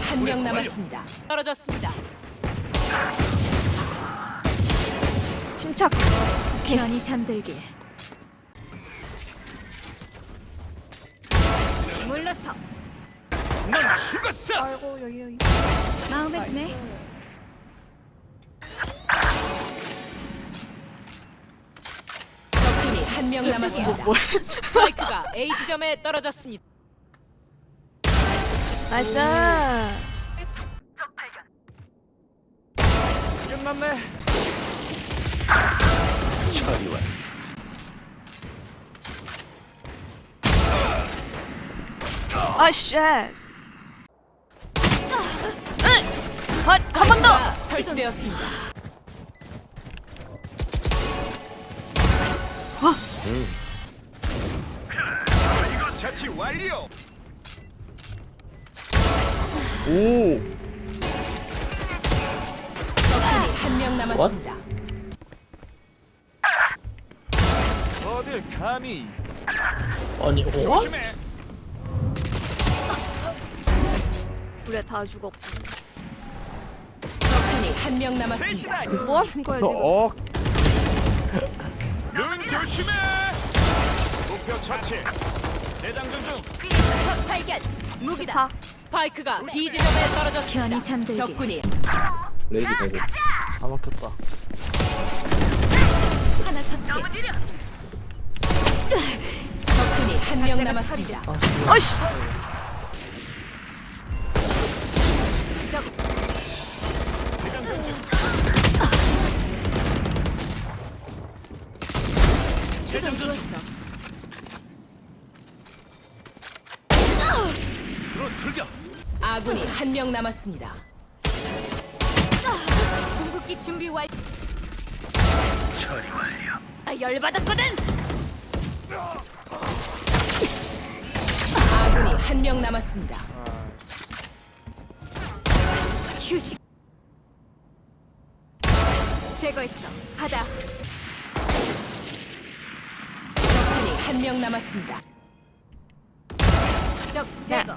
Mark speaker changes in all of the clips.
Speaker 1: 한 명 남았습니다. 떨어졌습니다.
Speaker 2: 침착.
Speaker 3: 편히 잠들게. 물러서.
Speaker 1: 넌 죽었어.
Speaker 2: 아이고 여기.
Speaker 3: 마음에 드네.
Speaker 2: 나이스.
Speaker 1: 적군이 한 명 남았습니다.
Speaker 2: 뭐?
Speaker 1: 스파이크가 A 지점에 떨어졌습니다.
Speaker 2: 나이스.
Speaker 1: 끝났네. 처리와
Speaker 2: 아 쉣. 한 번 더.
Speaker 1: 설치되었습니다. 이거 자치 완료.
Speaker 4: 오.
Speaker 1: 적군이 한 명 남았습니다. 어딜 감히
Speaker 4: 아니, 어?
Speaker 1: 조심해.
Speaker 2: 그래 다 죽었고.
Speaker 1: 적군이 한 명 남았습니다.
Speaker 2: 뭐 하는 거야 지금?
Speaker 4: 어?
Speaker 1: 눈 조심해. 목표 처치. 대장전 중.
Speaker 3: 적 발견. 무기다.
Speaker 2: 다.
Speaker 1: 스파이크가 B 지점에 떨어졌습니다.
Speaker 3: 편히 잠들게.
Speaker 1: 적군이
Speaker 4: 레이즈 대고. 다 막혔다.
Speaker 3: 하나 처치.
Speaker 1: 적군이 한 명
Speaker 3: 박자가
Speaker 1: 남았습니다.
Speaker 3: 처리됐어.
Speaker 2: 어이씨.
Speaker 3: 적
Speaker 1: 대장전 중.
Speaker 3: 시동
Speaker 1: 재장전 중.
Speaker 3: 주었어.
Speaker 1: 드론 출격. 아군이 한 명 남았습니다.
Speaker 3: 궁극기 준비 완.
Speaker 1: 처리 완료.
Speaker 3: 아 열받았거든.
Speaker 1: 아군이 한 명 남았습니다.
Speaker 3: 휴식. 제거했어. 받아.
Speaker 1: 적군이 한 명 남았습니다.
Speaker 3: 적 제거.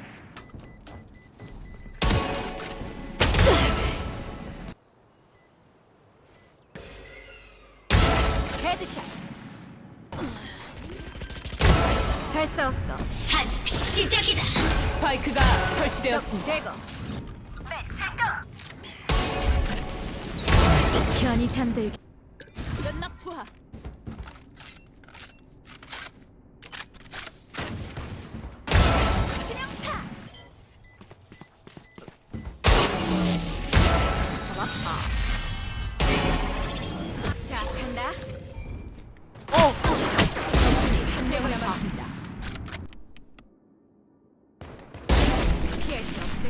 Speaker 3: 헤드샷. 잘 싸웠어. 산 시작이다.
Speaker 1: 스파이크가
Speaker 3: 적
Speaker 1: 설치되었습니다.
Speaker 3: 제거. 편히 잠들게. 연막 투하. 치명타. 자, 간다.
Speaker 1: 한 명 남았습니다.
Speaker 3: 피할 수 없을.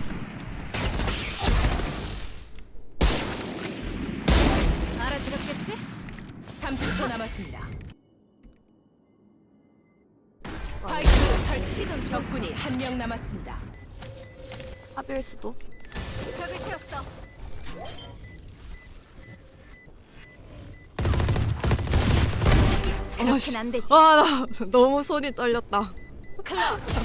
Speaker 3: 알아들었겠지?
Speaker 1: 30초 남았습니다. 스파이크 설치.
Speaker 3: 시동
Speaker 1: 적군이 한 명 남았습니다.
Speaker 2: 합일 수도.
Speaker 3: 벽을 세웠어. 이렇게는 안 되지.
Speaker 2: 와 나 너무 손이 떨렸다.
Speaker 3: 클럽.